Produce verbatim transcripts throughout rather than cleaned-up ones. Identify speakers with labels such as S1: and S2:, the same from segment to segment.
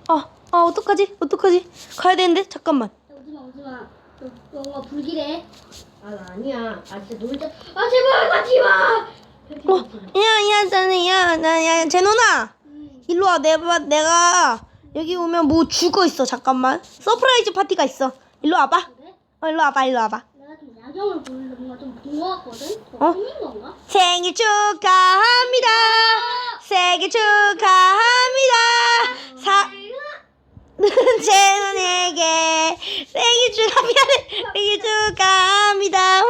S1: 아, 아, 어떡하지? 어떡하지? 가야 되는데? 잠깐만.
S2: 오지마 오지마. 너 뭔가 불길해.
S3: 아, 나 아니야. 아, 진짜 놀자. 아, 제발 가지 마.
S1: 어, 야, 야, 나는, 야, 나, 야, 제노나.
S2: 응.
S1: 일로 와. 내가, 내가 여기 오면 뭐 죽어 있어. 잠깐만. 서프라이즈 파티가 있어. 일로 와봐.
S2: 그래?
S1: 어, 일로 와봐. 일로 와봐.
S2: 내가 좀 야경을 보는데 뭔가 좀 본 것 같거든?
S1: 어?
S2: 어? 생긴 건가?
S1: 생일 축하합니다. 생일 축하합니다. 사, 제노에게 생일 축하, 미안해. 생일 축하합니다. 우.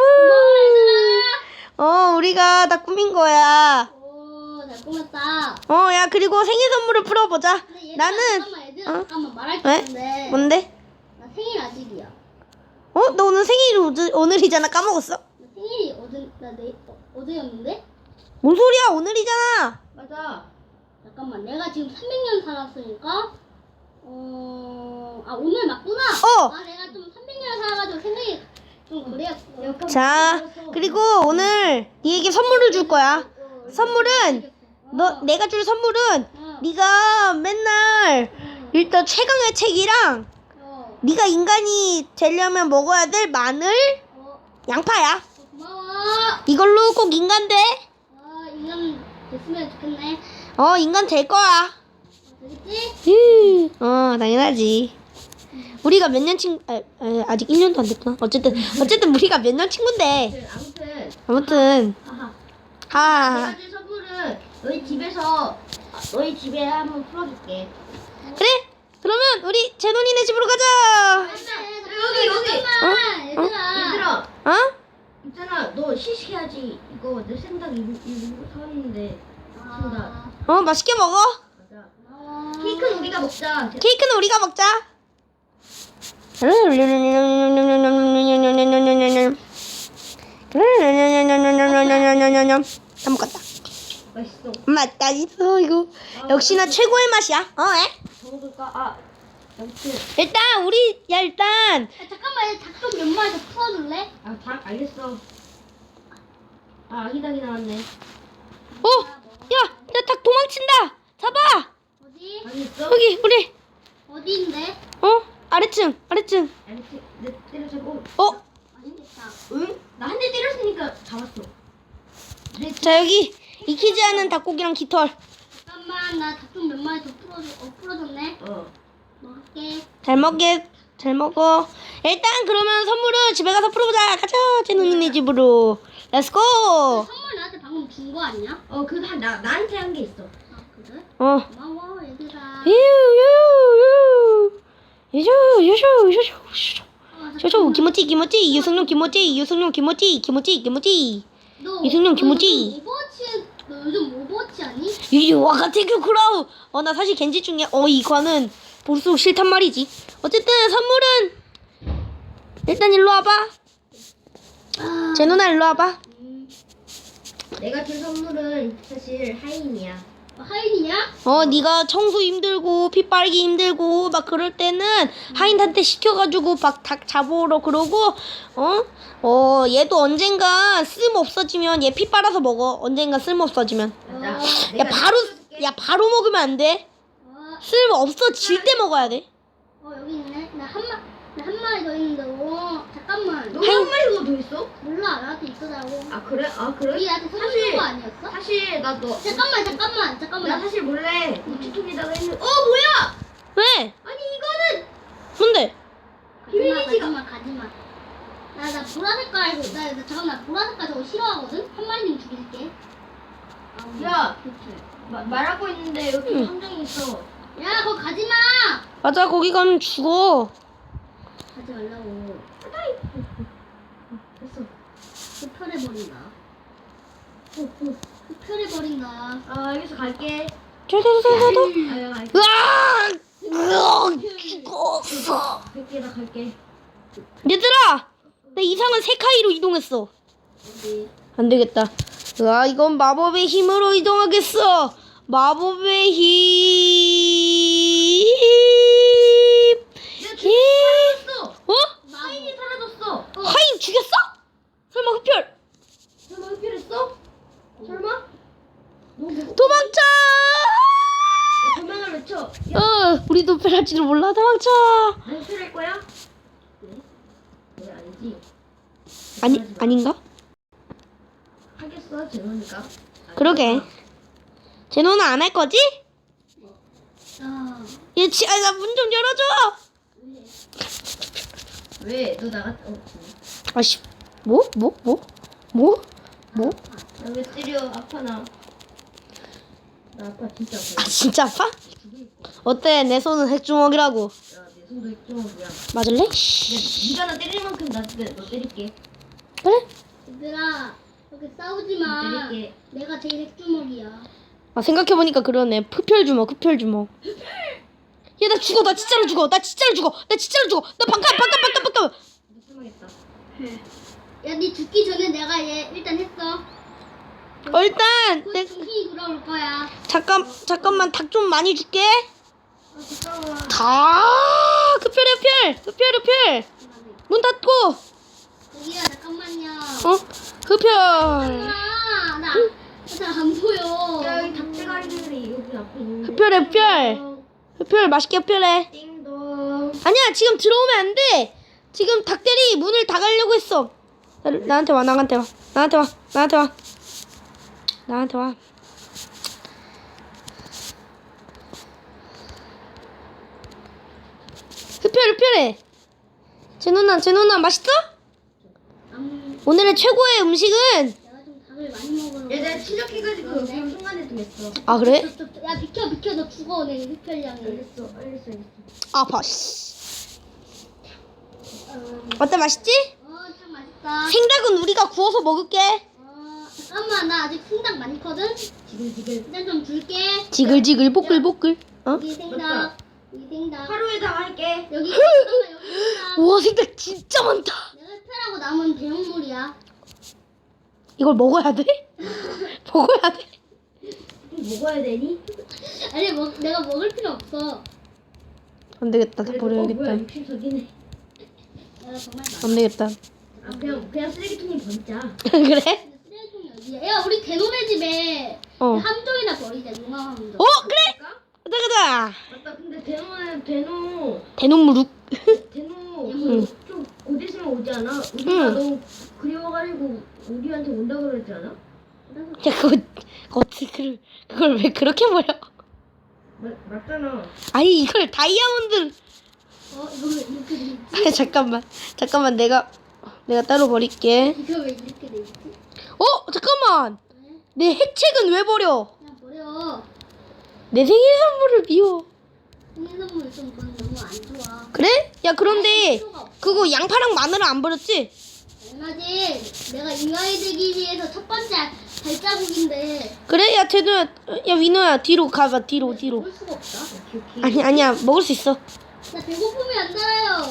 S1: 어, 우리가 다 꾸민 거야.
S2: 오, 잘 꾸몄다.
S1: 어, 야, 그리고 생일 선물을 풀어보자.
S2: 근데 얘들아,
S1: 나는,
S2: 잠깐만, 얘들아,
S1: 어?
S2: 잠깐만 말할 게
S1: 왜?
S2: 있는데.
S1: 뭔데?
S2: 나 생일 아직이야.
S1: 어? 너 오늘 생일이 오늘, 오늘이잖아. 까먹었어.
S2: 나 생일이 어제, 나 내, 어, 어제였는데?
S1: 뭔 소리야? 오늘이잖아.
S3: 맞아.
S2: 잠깐만, 내가 지금 삼백 년 살았으니까, 어, 아, 오늘 맞구나?
S1: 어.
S2: 아, 내가 좀 삼백 년 살아가지고 생각이 좀 그래였어.
S1: 자, 그리고 오늘 니에게 선물을 줄 거야. 선물은, 너, 내가 줄 선물은,
S2: 어,
S1: 네가 맨날
S2: 어,
S1: 일단 최강의 책이랑,
S2: 어,
S1: 네가 인간이 되려면 먹어야 될 마늘,
S2: 어,
S1: 양파야.
S2: 고마워.
S1: 이걸로 꼭 인간 돼.
S2: 아, 인간 됐으면 좋겠네.
S1: 어, 인간 될 거야.
S2: 되겠지?
S1: 어, 당연하지. 우리가 몇 년 친, 아, 아, 아직 일 년도 안 됐구나. 어쨌든, 어쨌든 우리가 몇 년 친구인데.
S3: 아무튼.
S1: 아무튼,
S3: 아하.
S1: 하.
S3: 내가 줄 선물은 너희 집에서 아, 너희 집에 한번 풀어줄게.
S1: 그래? 그러면 우리 제논이네 집으로 가자.
S3: 여기, 여기.
S2: 잠깐만,
S1: 어?
S2: 얘들아.
S3: 얘들아,
S1: 어?
S3: 있잖아. 너 시식해야지. 이거 내 생닭 이거 이거 사왔는데.
S2: 아,
S1: 어, 맛있게 먹어.
S3: 맞아.
S2: 고마워.
S3: 케이크는 우리가 먹자.
S1: 케이크는 우리가 먹자. 다 먹었다.
S3: 맛있어.
S1: 맛다 있어 이거. 역시나 최고의 맛이야. 어? 에?
S3: 더 먹을까? 아, 아무튼.
S1: 일단 우리 야 일단
S2: 야, 잠깐만, 얘 닭 좀 몇 마리 더 풀어줄래?
S3: 아, 닭 알겠어. 아, 아기 닭이 나왔네.
S1: 어? 야, 야 닭 도망친다. 잡아.
S2: 어디?
S3: 알겠어?
S1: 여기 우리
S2: 어디인데?
S1: 어? 아래층 아래층.
S3: 알겠지? 내 때려잡고.
S1: 어?
S2: 맛있겠다.
S3: 응? 나 한 대 때렸으니까 잡았어. 내
S1: 자 여기 익히지 않은 닭고기랑 깃털.
S2: 잠깐만, 나 닭 좀 몇 마리 더 풀어줘. 어, 풀어줬네.
S3: 어.
S2: 먹을게.
S1: 잘 먹게 잘 먹어. 일단 그러면 선물은 집에 가서 풀어보자. 가자 제논이네 집으로. 렛츠고.
S2: 선물 나한테 방금 준 거 아니야?
S3: 어, 그거 한, 나, 나한테 한 게 있어.
S2: 아, 그래?
S1: 어.
S2: 고마워, 얘들아.
S1: 유유유 유유 유유 유유
S2: 아,
S1: 쇼쇼 김치 김치 유승용 김치 유승용 김치 김치 김치
S2: 너,
S1: 이승용
S2: 너
S1: 김치.
S2: 요즘 오버워치, 너 요즘 오버워치 아니?
S1: 유유 와가테큐 크라우. 어 나 사실 겐지 중에 어 이거는 볼수록 싫단 말이지. 어쨌든 선물은 일단 일로 와봐.
S2: 아,
S1: 제 누나 일로 와봐.
S2: 음,
S3: 내가 준 선물은 사실 하인이야.
S2: 어, 하인이냐?
S1: 어 네가 청소 힘들고 피 빨기 힘들고 막 그럴 때는 하인한테 시켜가지고 막 닭 잡으러 그러고 어? 어 얘도 언젠가 쓸모 없어지면 얘 피 빨아서 먹어. 언젠가 쓸모 없어지면.
S3: 맞아.
S2: 어.
S1: 야
S3: 내가
S1: 바로
S3: 시켜줄게.
S1: 야 바로 먹으면 안 돼.
S2: 어,
S1: 쓸모 없어질 때 먹어야 돼.
S2: 어 여기 있네. 나 한 마, 나 한 마리 더 있는데. 어, 잠깐만.
S3: 너 한 마리가 더 있어?
S2: 몰라, 나한테 있더라고.
S3: 아, 그래? 아,
S2: 여기
S3: 그래?
S2: 나한테 선물
S3: 사실-
S2: 준거 아니었어?
S3: 사실, 나 너.
S2: 잠깐만, 잠깐만, 잠깐만.
S3: 나 사실 몰래 우체통에다가 했는데. 어, 뭐야!
S1: 왜?
S3: 아니, 이거는!
S1: 뭔데?
S2: 가지마,
S3: 비밀이지가.
S2: 가지마, 가지마. 나, 나 보라색깔, 나, 나 잠깐 나 보라색깔 저거 싫어하거든. 한 마리는 죽일게. 아우,
S3: 야.
S2: 그치.
S3: 마, 말하고 있는데 여기
S1: 응.
S3: 함정이 있어.
S2: 야, 거기 가지마.
S1: 맞아 거기 가면 죽어.
S2: 가지 말라고.
S3: 됐어.
S2: 흡혈해버린다.
S3: 어, 어.
S2: 흡혈해버린다.
S3: 아, 알겠어. 갈게.
S1: 저저저저저.
S3: 아, 야, 갈게.
S1: 으아! 으아! 죽었어.
S3: 갈게, 나 갈게.
S1: 얘들아, 나 이상한 세카이로 이동했어.
S2: 어디?
S1: 안 되겠다. 으아, 이건 마법의 힘으로 이동하겠어. 마법의 힘.
S3: 야,
S1: 힘.
S3: 사라졌어!
S1: 어?
S3: 하인이 사라졌어!
S1: 하인 죽였어? 설마 흡혈?
S3: 설마 흡혈했어? 설마? 너 뭐,
S1: 도망쳐!
S3: 도망을 외쳐.
S1: 어, 우리도 흡혈할지도 몰라. 도망쳐.
S3: 안 흡혈할 거야? 왜? 왜 아니지?
S1: 아니, 아닌가?
S3: 하겠어, 제노니까.
S1: 그러게. 제노는 안 할 거지?
S2: 아,
S1: 얘, 지, 아, 나 문 좀 열어줘.
S3: 왜? 너 나갔, 어,
S1: 아씨, 뭐? 뭐? 뭐? 뭐? 뭐?
S3: 나왜 때려? 아파, 나. 나 아파, 진짜
S1: 아,
S3: 아파.
S1: 진짜 아파? 어때? 내 손은 핵주먹이라고.
S3: 야, 내 손도 있정하고야.
S1: 맞을래?
S3: 야, 니가 나 때릴 만큼 나, 때- 너 때릴게.
S1: 그래?
S2: 얘들아, 이렇게 싸우지 마.
S3: 때릴게.
S2: 내가 제일 핵주먹이야.
S1: 아, 생각해보니까 그러네. 흡혈주먹, 흡혈주먹. 얘, 나 죽어. 나 진짜로 죽어. 나 진짜로 죽어. 나 진짜로 죽어. 나 반감, 반감, 반감, 반감.
S3: 못 참아겠다.
S2: 야, 니 죽기 전에 내가 얘 일단 했어.
S1: 어, 일단,
S2: 곧
S1: 내,
S2: 정신이 돌아올 거야.
S1: 잠깐, 잠깐만. 닭 좀 많이 줄게.
S3: 아, 잠깐만.
S1: 다 흡혈, 흡혈. 흡혈, 흡혈. 문 닫고.
S2: 여기야, 잠깐만요.
S1: 어? 흡혈.
S2: 아, 나, 나안 보여.
S3: 야, 여기 닭대가리들이 여기 앞에 있는데.
S1: 흡혈, 흡혈. 흡혈, 맛있게 흡혈해.
S3: 띵동.
S1: 아니야, 지금 들어오면 안 돼. 지금 닭들이 문을 닫으려고 했어. 나, 나한테 와, 나한테 와. 나한테 와, 나한테 와. 나한테 와. 흡혈, 흡혈해. 제 누나, 제 누나 맛있어?
S2: 안,
S1: 오늘의 최고의 음식은?
S2: 내가 좀 닭을 많이 먹으러.
S3: 야, 내가 추적해가지고 여기 순간에 좀 했어.
S1: 아, 그래?
S2: 저, 저, 저, 야, 비켜, 비켜. 너 죽어, 내 흡혈량이.
S3: 알겠어, 알겠어, 알겠어.
S1: 아파, 씨.
S2: 어,
S1: 어때, 맛있지?
S2: 어, 참 맛있다.
S1: 생닭은 우리가 구워서 먹을게.
S2: 어, 잠깐만, 나 아직 생닭 많거든?
S3: 지금, 지금.
S2: 일단 좀 줄게.
S1: 지글지글, 뽀글뽀글. 어?
S2: 여기 생닭.
S3: 맞다.
S2: 여기 생닭.
S3: 하루에 다 할게.
S2: 여기, 잠깐만, 여기 생닭.
S1: 우와, 생닭 진짜 많다.
S2: 내가 흡혈하고 남은 대형물이야.
S1: 이걸 먹어야 돼? 먹어야 돼?
S3: 좀 먹어야 되니?
S2: 아니, 먹, 내가 먹을 필요 없어.
S1: 안 되겠다, 다
S3: 그래도, 어,
S1: 버려야겠다.
S3: 뭐야, 육십석이네.
S2: 내가 정말 많아.
S1: 안 되겠다.
S3: 아, 그냥, 그냥 쓰레기통에 버리자.
S1: 그래?
S2: 근데 쓰레기통이 어디야? 야, 우리 대노네 집에
S1: 어.
S2: 함정이나 버리자, 용암 함정.
S1: 어, 그래?
S3: 그럴까?
S1: 가자, 가자.
S3: 맞다, 근데 대노는, 대노,
S1: 대놈무룩.
S3: 대노,
S1: 응.
S3: 좀 곧 있으면 오지 않아? 우리가
S1: 응.
S3: 너무 그리워가지고 우리한테 온다 그러지 않아?
S1: 야, 그거, 그거 어떻게, 그걸, 그걸 왜 그렇게 버려?
S3: 맞, 맞잖아.
S1: 아니, 이걸 다이아몬드.
S2: 어, 이거 왜 이렇게 돼 있지?
S1: 아니, 잠깐만. 잠깐만, 내가, 내가 따로 버릴게.
S2: 이거 왜 이렇게 돼 있지?
S1: 어, 잠깐만.
S2: 왜?
S1: 내 핵책은 왜 버려?
S2: 그냥 버려.
S1: 내 생일 선물을 비워.
S2: 생일 선물 좀 그건 너무 안 좋아.
S1: 그래? 야, 그런데,
S2: 필요가 없어.
S1: 그거 양파랑 마늘은 안 버렸지?
S2: 얼마지? 내가 인간이 되기 위해서 첫 번째 발자국인데
S1: 그래? 야, 쟤들아, 야, 위노야, 뒤로 가봐, 뒤로, 뒤로.
S2: 먹을 수가 없다.
S3: 오케이, 오케이.
S1: 아니, 아니야, 먹을 수 있어.
S2: 나 배고픔이 안 달아요.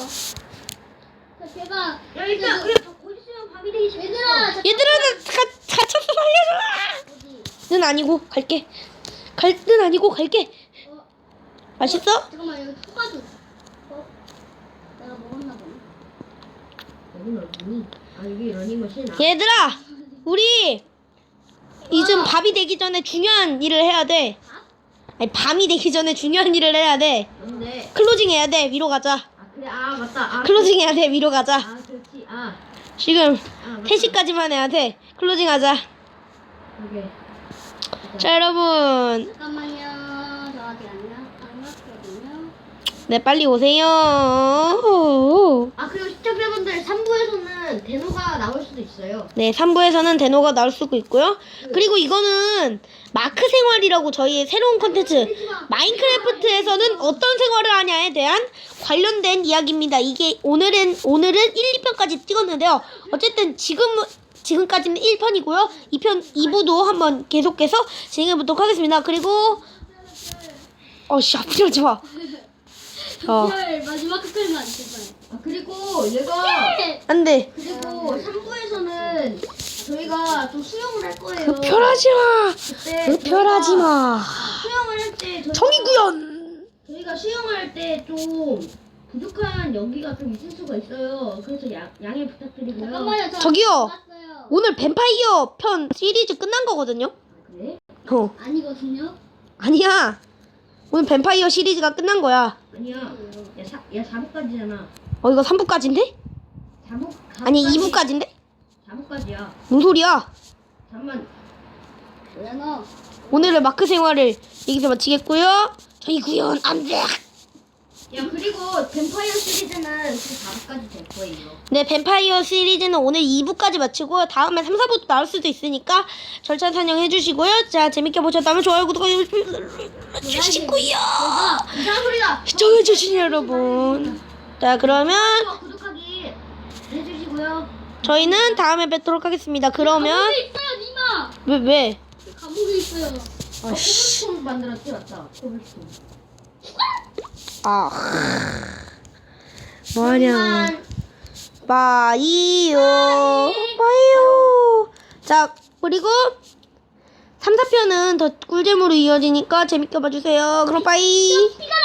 S2: 나 배가.
S3: 야, 일단, 우리 곧 있으면 밤이 되기 시작했어.
S2: 얘들아, 잠깐만.
S1: 얘들아, 나 가, 갇혀서 살려줘!
S2: 어디?
S1: 는 아니고, 갈게. 갈, 는 아니고, 갈게.
S2: 어,
S1: 맛있어?
S2: 잠깐만 여기 토마토. 어? 내가 먹었나 보네.
S3: 여긴 어디니? 아, 여기 러닝머신. 아,
S1: 얘들아, 우리, 이즘 밥이 되기 전에 중요한 일을 해야 돼. 아니, 밤이 되기 전에 중요한 일을 해야 돼.
S3: 뭔데?
S1: 클로징 해야 돼, 위로 가자.
S3: 아, 그래, 아, 맞다. 아,
S1: 클로징 해야 돼, 위로 가자.
S3: 아, 그렇지. 아,
S1: 지금,
S3: 아, 맞다.
S1: 세 시까지만 해야 돼. 클로징 하자.
S3: 오케이.
S1: 자, 여러분.
S2: 잠깐만요. 저 아직 안 나, 안 났거든요.
S1: 네, 빨리 오세요.
S3: 아, 그리고 시청자분들 삼 부에서는 대노가 나올 수도 있어요.
S1: 네, 삼 부에서는 데노가 나올 수도 있고요. 그리고 이거는 마크 생활이라고 저희의 새로운 컨텐츠 마인크래프트에서는 어떤 생활을 하냐에 대한 관련된 이야기입니다. 이게 오늘은 오늘은 일, 이 편까지 찍었는데요. 어쨌든 지금 지금까지는 일 편이고요. 이 편 이 부도 한번 계속해서 진행해 보도록 하겠습니다. 그리고 어씨 아프지 하지 마. 어.
S2: 흡혈 마지막 흡혈만 제발.
S3: 아, 그리고 얘가
S1: 안 돼.
S3: 그리고 삼 부에서는 저희가 좀 수영을 할 거예요.
S1: 흡혈하지 마.
S3: 그때
S1: 흡혈하지 마.
S3: 수영을 할 때
S1: 정의구현.
S3: 저희가 수영할 때 좀 부족한 연기가 좀 있을 수가 있어요. 그래서 양, 양해 부탁드리고요.
S2: 잠깐만요. 저
S1: 저기요.
S2: 봤어요.
S1: 오늘 뱀파이어 편 시리즈 끝난 거거든요.
S3: 아, 그래?
S1: 어.
S2: 아니거든요.
S1: 아니야. 오늘 뱀파이어 시리즈가 끝난 거야.
S3: 아니야. 야, 사, 야 사 부까지잖아.
S1: 어 이거 삼 부까지인데?
S3: 사 부,
S1: 아니 이 부까지인데?
S3: 사 부까지야.
S1: 뭔 소리야?
S3: 잠만.
S2: 뭐야 너?
S1: 오늘의 마크 생활을 여기서 마치겠고요. 저희 구현 안돼.
S3: 야 그리고 뱀파이어 시리즈는 그 사 부까지 될 거예요.
S1: 네, 뱀파이어 시리즈는 오늘 이 부까지 마치고 다음에 삼, 사 부도 나올 수도 있으니까 절찬 사냥해 주시고요. 자, 재밌게 보셨다면 좋아요, 구독 눌러주시고요.
S2: 너가
S3: 이상한 소리다.
S1: 시청해 주신 여러분. 자, 그러면
S3: 좋아요, 구독하기 해주시고요.
S1: 저희는 다음에 뵙도록 하겠습니다. 그러면
S2: 감옥에 있어요 니마.
S1: 왜 왜?
S2: 감옥에 있어요.
S3: 아, 코블스톤 만들었지 맞다. 코블스톤.
S1: 아, 뭐하냐? 바이오, 바이오. 자, 그리고 삼, 사 편은 더 꿀잼으로 이어지니까 재밌게 봐주세요. 그럼 바이.
S2: 피가